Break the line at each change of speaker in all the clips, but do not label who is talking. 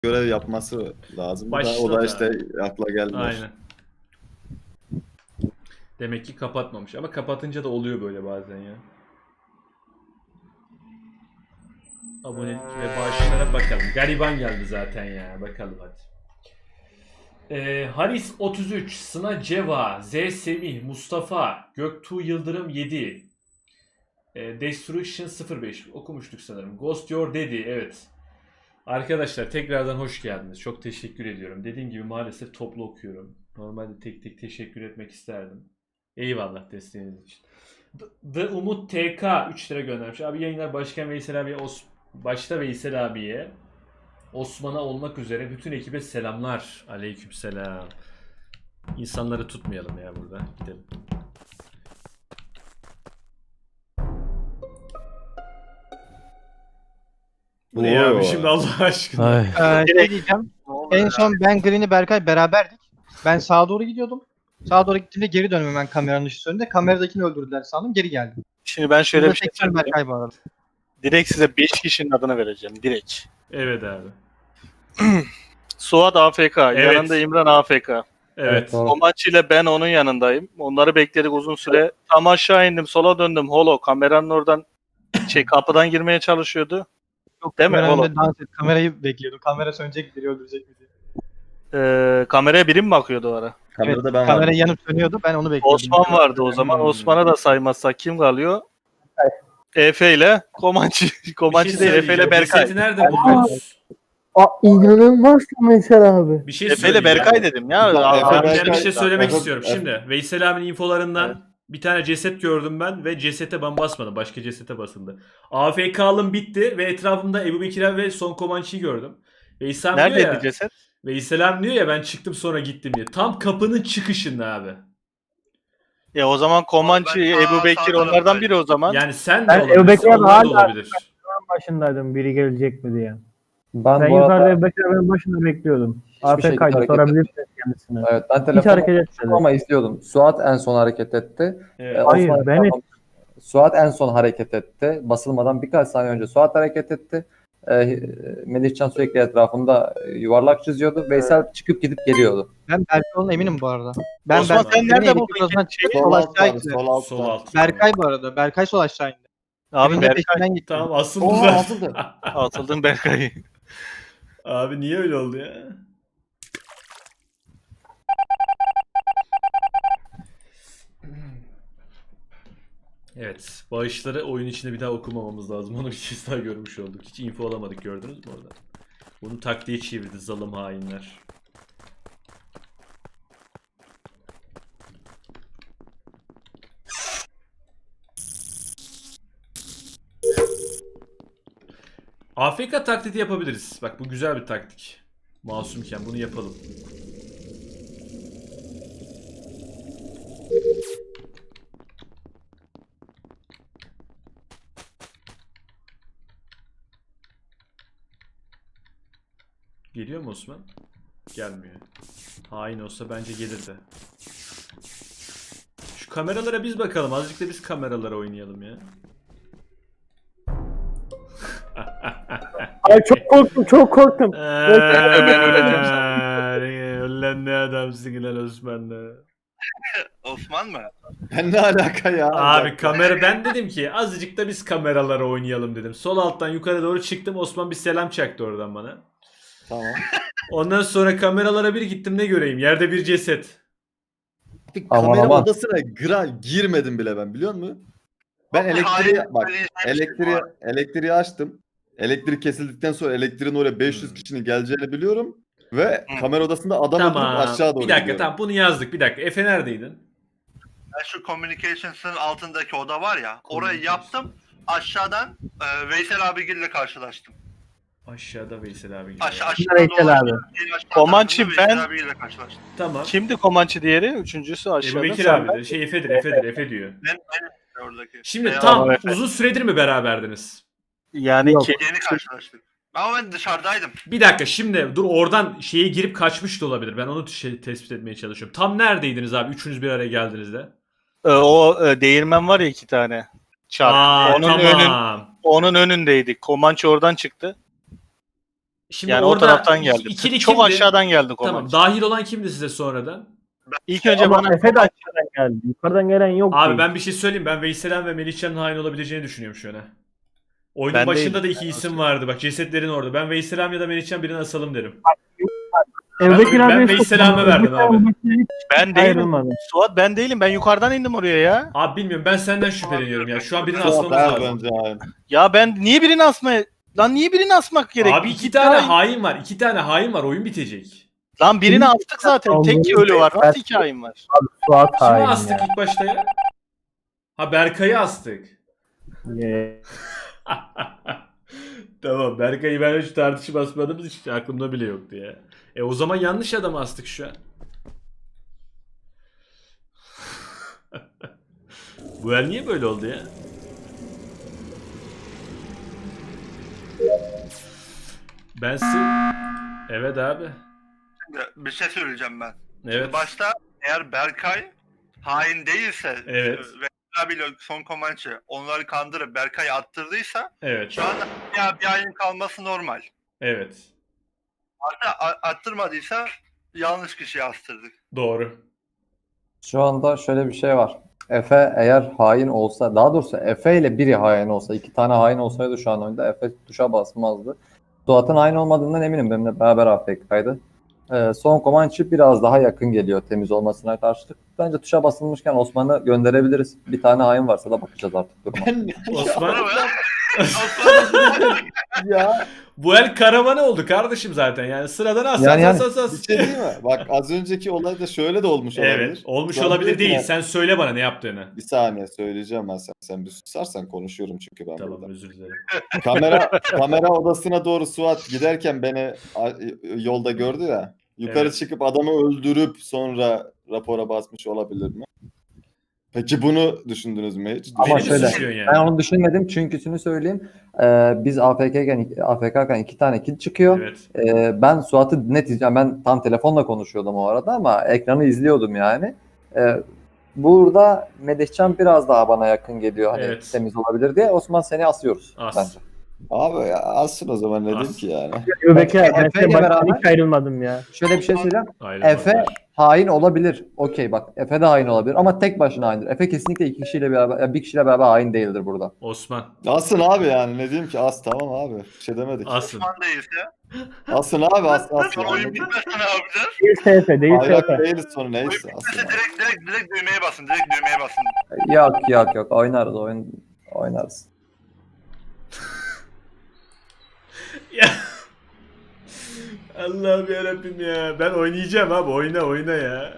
görev yapması lazım. O da
Başladı
işte akla gelmiyor.
Aynen. Demek ki kapatmamış. Ama kapatınca da oluyor böyle bazen ya. Abonelik ve bağışlara bakalım. Gariban geldi zaten ya. Bakalım hadi. Haris 33, Sına Ceva, Z Semih, Mustafa, Göktuğ Yıldırım 7, Destruction 05 okumuştuk sanırım. Ghost Your Daddy, evet. Arkadaşlar tekrardan hoş geldiniz. Çok teşekkür ediyorum. Dediğim gibi maalesef toplu okuyorum. Normalde tek tek teşekkür etmek isterdim. Eyvallah desteğiniz için. The Umut TK 3 lira göndermiş. Abi yayınlar Başkan Veysel abiye, başta Veysel abiye, Osman'a olmak üzere bütün ekibe selamlar. Aleykümselam. İnsanları tutmayalım ya burada. Gidelim. Bu ne ya abi şimdi Allah aşkına.
Şey diyeceğim. En son ben Green'i Berkay beraberdik. Ben sağa doğru gidiyordum. Sağa doğru gittiğimde geri döndüm ben kameranın ışığı önünde. Kameradakini öldürdüler sandım. Geri geldim.
Şimdi ben şöyle
Burada
bir şey
tekrar
söyleyeyim.
Berkay bu arada.
Direkt size 5 kişinin adını vereceğim. Direkt.
Evet abi.
Suat AFK.
Evet.
Yanında İmran AFK.
Evet.
Komançı ile ben onun yanındayım. Onları bekledik uzun süre. Tam aşağı indim. Sola döndüm. Holo. Kameranın oradan kapıdan girmeye çalışıyordu.
Yok,
Değil mi?
kameranın
Oğlum.
önünde dans et. Kamerayı bekliyordum. Kamera sönecek, biri öldürecek mi diye.
Kameraya biri mi bakıyordu o ara?
Kamerada ben
Kamera
varım.
yanıp sönüyordu. Ben onu bekliyordum.
Osman vardı o zaman. Osman'ı da saymazsak kim kalıyor? Efe ile Komançı. Komançı değil. Efe ile Berkay.
Cesedi nerede buldunuz?
İnanılmaz mesela abi.
Bir şey
Efe ile
söyleyeceğim.
Berkay dedim ya.
Efe
Abi
Berkay-
ben bir şey söylemek
Efe-
istiyorum.
Efe-
Şimdi Veysel abinin infolarından bir tane ceset gördüm ben ve cesete ben basmadım. Başka cesete basıldı. AFK'lım bitti ve etrafımda Ebu Bekir ve Son Komançı'yı gördüm. Veysel diyor
Neredeydi
ya,
ceset?
Veysel diyor ya ben çıktım sonra gittim diye. Tam kapının çıkışında abi.
Ya o zaman Komançı,
Ben
Ebu Bekir onlardan biri o zaman.
Yani sen de
Ben
olabilirsin.
Ebu Bekir'e
Onlar da
hala-
olabilir.
Başındaydım biri gelecek mi diye.
Ben
Ben
bu
yukarıda
arada
Ebu Bekir'in başında bekliyordum.
hiçbir şekilde
AFK'ydı
hareket
sorabilirsiniz kendisine.
evet, ben
Hiç
telefonu
hareket etmedi.
ama izliyordum. Suat en son hareket etti.
Evet.
Hayır,
Osman-
ben
Suat en son hareket etti. Basılmadan birkaç saniye önce Suat hareket etti. Melihcan sürekli etrafında yuvarlak çiziyordu. Veysel çıkıp gidip geliyordu.
Ben Berkay olduğuna eminim bu arada. Ben
Osman sen
Berkay'ın
nerede
elektrik
buldun
odasından
ki?
çıkıp
Sol
sol
altta
aşağı
abi,
indi.
sol altta.
Sol alt.
Berkay bu arada. Berkay sol aşağı indi.
Abi
Benim de
Berkay
peşinden gitti.
Tamam asıldı
Oo,
zaten.
asıldı.
atıldın Berkay'ı.
Abi niye öyle oldu ya? Evet. Bağışları oyun içinde bir daha okumamamız lazım. Onu bir kez daha görmüş olduk. Hiç info alamadık, gördünüz mü orada? Bunu taktiğe çevirdi zalim hainler. AFK taklidi yapabiliriz. Bak bu güzel bir taktik. Masumken bunu yapalım. Geliyor mu Osman? Gelmiyor. Hain olsa bence gelirdi. Şu kameralara biz bakalım. Azıcık da biz kameralara oynayalım ya.
Ay çok korktum, çok korktum.
Ulan ne adamsın lan Osman'la.
Osman mı?
Ben ne alaka ya?
Abi kamera ben dedim ki azıcık da biz kameralara oynayalım dedim. Sol alttan yukarı doğru çıktım. Osman bir selam çaktı oradan bana.
Tamam.
Ondan sonra kameralara bir gittim ne göreyim? Yerde bir ceset.
Bir
Aman,
kamera
aman.
odasına girmedim bile ben, biliyor musun? Ben elektriği açtım. Elektrik kesildikten sonra elektriğin oraya 500 kişinin geleceğini biliyorum ve kamera odasında adam oturup
Tamam.
aşağı doğru
Bir dakika
gidiyorum.
tamam bunu yazdık. Bir dakika. Efe neredeydin?
Ben şu communications'ın altındaki oda var ya, orayı yaptım. Aşağıdan Veysel abigille karşılaştım.
Aşağıda Veysel abi.
Aşağıda
Veysel abi.
Komançı
Veysel
ben-
abiyle karşılaştım.
Tamam.
Kimdi Komançı diğeri? Üçüncüsü
Ebu
aşağıda.
Bekir
Sen
abi. Şey Efe diyor.
Ben oradaki.
Şimdi
Beyaz
tam
abi, Efe.
uzun süredir mi beraberdiniz?
Yani
Yok.
ki
Yeni karşılaştık. Ama ben dışarıdaydım.
Bir dakika şimdi dur oradan şeye girip kaçmış da olabilir. Ben onu tespit etmeye çalışıyorum. Tam neredeydiniz abi? Üçünüz bir araya geldiğinizde.
değirmen var ya 2 tane. Çark.
Aa
onun
tamam.
onun önündeydik. Komançı oradan çıktı.
Şimdi
Yani o
orada
taraftan geldi.
ikili
Çok
kimdi?
aşağıdan geldi
Tamam.
Komançı.
Dahil olan kimdi size sonradan?
İlk önce
Ama
bana
Efe de aşağıdan geldi. Yukarıdan gelen yok.
Abi
değil.
ben bir şey söyleyeyim. Ben Veysel'in ve Melihcan'ın hain olabileceğini düşünüyorum şu an. Ha. Oyunun
Ben
başında
değilim.
da iki isim vardı. Bak cesetlerin orada. Ben Veysel'im ya da Melihcan birini asalım derim.
Evdeki
ben
abiye
Veysel
çok-
abime verdim abi.
Hiç
ben değilim.
ayrılmadım.
Suat ben değilim. Ben yukarıdan indim oraya ya.
Abi bilmiyorum ben senden şüpheleniyorum ya. Şu an birini
Suat
asmamız
her
lazım.
bence aynı.
Ya ben niye birini asmaya... Lan niye birini asmak gerek?
Abi iki tane hain var. İki tane hain var. Oyun bitecek.
Lan birini astık zaten. Tek ölü var. Nasıl iki hain var?
Suat
Kimi
hain
astık
ya.
ilk başta ya? Ha Berkay'ı astık. Tamam Berkay'ı ben hiç tartışıp asmadığımız için aklımda bile yoktu ya. O zaman yanlış adamı astık şu an. Bu el niye böyle oldu ya? Ben Evet abi.
Şimdi bir şey söyleyeceğim ben.
Evet.
Başta eğer Berkay hain değilse
Evet.
ve abiyle son Comanche onları kandırıp Berkay'ı attırdıysa
Evet.
şu anda bir hain kalması normal.
Evet.
Hatta attırmadıysa yanlış kişiyi astırdık.
Doğru.
Şu anda şöyle bir şey var. Efe eğer hain olsa, daha doğrusu Efe ile biri hain olsa, iki tane hain olsaydı şu an oyunda Efe tuşa basmazdı. Suat'ın hain olmadığından eminim. Benimle beraber AFK'ydı. Son Comanche biraz daha yakın geliyor temiz olmasına karşılık. Bence tuşa basılmışken Osman'ı gönderebiliriz. Bir tane hain varsa da bakacağız artık duruma.
Osman.
Ya
Bu el karavanı oldu kardeşim zaten. Yani sıradan as
Yani-
as as as.
bir şey değil mi? Bak az önceki olayda şöyle de olmuş olabilir.
Evet. Olmuş
Ulan
olabilir
diyor ki
değil.
ya,
Sen söyle bana ne yaptığını.
Bir saniye söyleyeceğim ben sen bir susarsan konuşuyorum çünkü ben
Tamam
burada.
özür dilerim.
Kamera odasına doğru Suat giderken beni yolda gördü ya. Yukarı
Evet.
çıkıp adamı öldürüp sonra rapora basmış olabilir mi? Peki bunu düşündünüz mü hiç?
Ama
Beni mi
şöyle,
suçluyorsun yani?
Ben onu düşünmedim çünküsünü söyleyeyim. Biz AFK'ken iki tane kill çıkıyor.
Evet.
Ben Suat'ı net izleyeceğim. Ben tam telefonla konuşuyordum o arada ama ekranı izliyordum yani. Burada Melihcan biraz daha bana yakın geliyor. Hani
Evet.
temiz olabilir diye. Osman seni asıyoruz
As.
bence.
Abi ya alsın o zaman ne diyeyim
As.
ki yani.
Öbeki abi ben
Efe ile
size baştan
beraber-
hiç ayrılmadım ya.
Şöyle bir şey söyleyeyim.
Ayrılmaz.
Efe hain olabilir. Okey bak Efe de hain olabilir ama tek başına haindir. Efe kesinlikle iki kişiyle beraber, bir kişiyle beraber hain değildir burada.
Osman.
Asın abi yani ne diyeyim ki as tamam abi. Bir şey demedik.
Asın.
Osman değilse
Asın abi asın.
sonra oyun bitmezse ne yapacağız?
Değilse Efe, değilse
Ayrak
Efe.
değiliz sonra neyse
Oyun
asın.
bitmezse
abi.
direkt düğmeye basın. Direkt düğmeye basın.
Yok oynarız oynarız.
Ya. Allah'ım yarabbim ya. Ben oynayacağım abi. Oyna ya.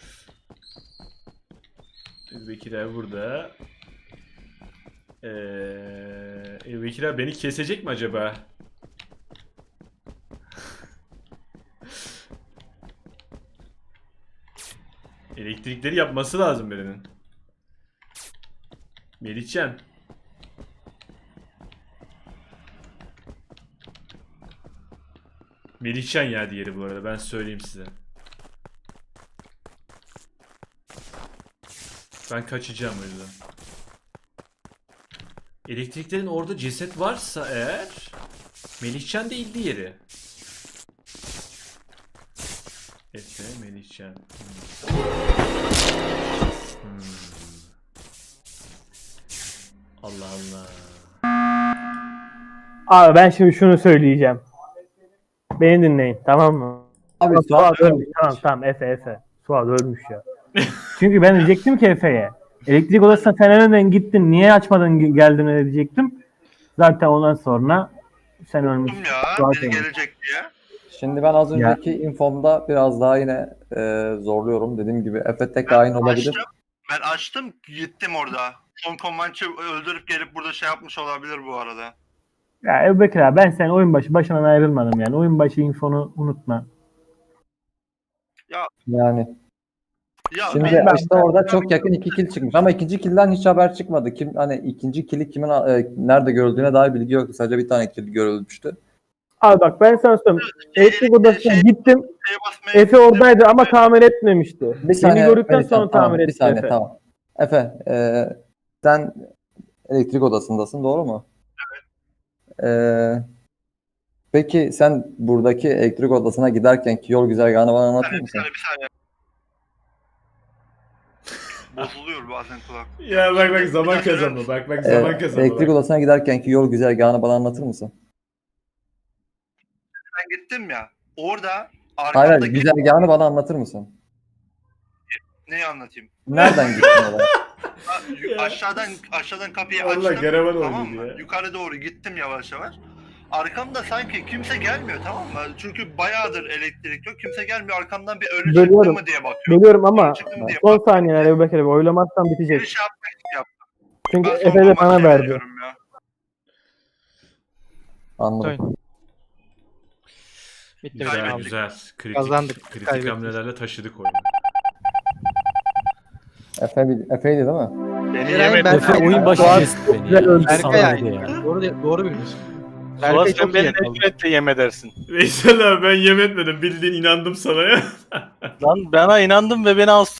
Bekir abi burada. Bekir abi beni kesecek mi acaba? Elektrikleri yapması lazım birinin. Melihcan. Melihcan ya diğeri bu arada ben söyleyeyim size. Ben kaçacağım o yüzden. Elektriklerin orada ceset varsa eğer Melihcan değil diğeri. Efe, Melihcan. Allah Allah.
Abi ben şimdi şunu söyleyeceğim. Beni dinleyin tamam mı?
Abi
Suat ölmüş. Tamam Efe. Suat ölmüş ya. Çünkü ben diyecektim ki Efe'ye. Elektrik odasına sen önden gittin. Niye açmadın geldin öyle diyecektim. Zaten ondan sonra sen ölmüşsün.
Dur ya
Suat
biri
ölmüş.
gelecek diye.
Şimdi ben az önceki infomda biraz daha yine zorluyorum. Dediğim gibi Efe tek hain olabilir.
Ben açtım gittim orada. Son Comanche öldürüp gelip burada şey yapmış olabilir bu arada.
Ya Ebu Bekir abi ben sen oyun başı başından ayrılmadım yani. Oyun başı infonu unutma.
Yani
Ya
şimdi
ben-
işte orada çok yakın iki kill çıkmış ama ikinci kill'den hiç haber çıkmadı. Hani ikinci kill'i kimin nerede görüldüğüne dair bilgi yoktu. Sadece bir tane kill görülmüştü.
Abi bak ben sana söyleyeyim. Elektrik odasına gittim.
şeye basmaya
Efe oradaydı ama tamir etmemişti.
Bir saniye.
Beni gördükten
Melihcan,
sonra
tamam,
tamir
bir
etti
saniye
Efe.
tamam. Efe sen elektrik odasındasın doğru mu? Evet. Peki sen buradaki elektrik odasına giderkenki yol güzergahını bana anlatır
Bir
mısın?
saniye, bir saniye. Bozuluyor bazen kulak.
Ya bak zaman
Bir dakika,
kazandı. Bak zaman kazandı.
Elektrik
bak.
odasına giderkenki yol güzergahını bana anlatır mısın?
Ben gittim ya. Orada
Hayır, hayır,
arkamdaki
güzergahını bana anlatır mısın?
neyi anlatayım?
Nereden gittin oraya?
Ya.
Aşağıdan kapıyı
Allah,
açtım.
Garavan
Tamam
oynuyordu
mı?
ya.
Yukarı doğru gittim yavaş yavaş. Arkamda sanki kimse gelmiyor, tamam mı? Çünkü bayağıdır elektrik yok. Kimse gelmiyor. Arkamdan bir ölü çıktı
Bölüyorum.
mı diye bakıyorum.
Bölüyorum ama
Çıktı mı diye
son
bakıyorum.
saniyeler Ebu Bekir abi oylamazsan bitecek.
Bir şey yapmak için yaptım.
Çünkü
Ben
Efe
sonra
de bana
makineye
verdi.
veriyorum ya.
Anladım.
Bitti.
Güzel
Kaybettik.
güzel. Kritik,
Kazandık,
kritik
kaybettik.
hamlelerle taşıdık oyunu.
Efe'ydi değil mi?
Beni
Eray,
yemedi.
ben-
Efe oyun başı
Suat-
kesti beni.
Güzel öldü.
Berkay
Sanaydı
yani.
ya.
Doğru biliyorsun.
Suat
Berkay
sen
çok iyi
beni
yakaladı.
nefretle yem edersin.
Veysel abi ben yem etmedim. Bildiğin inandım sana ya.
Lan bana inandım ve beni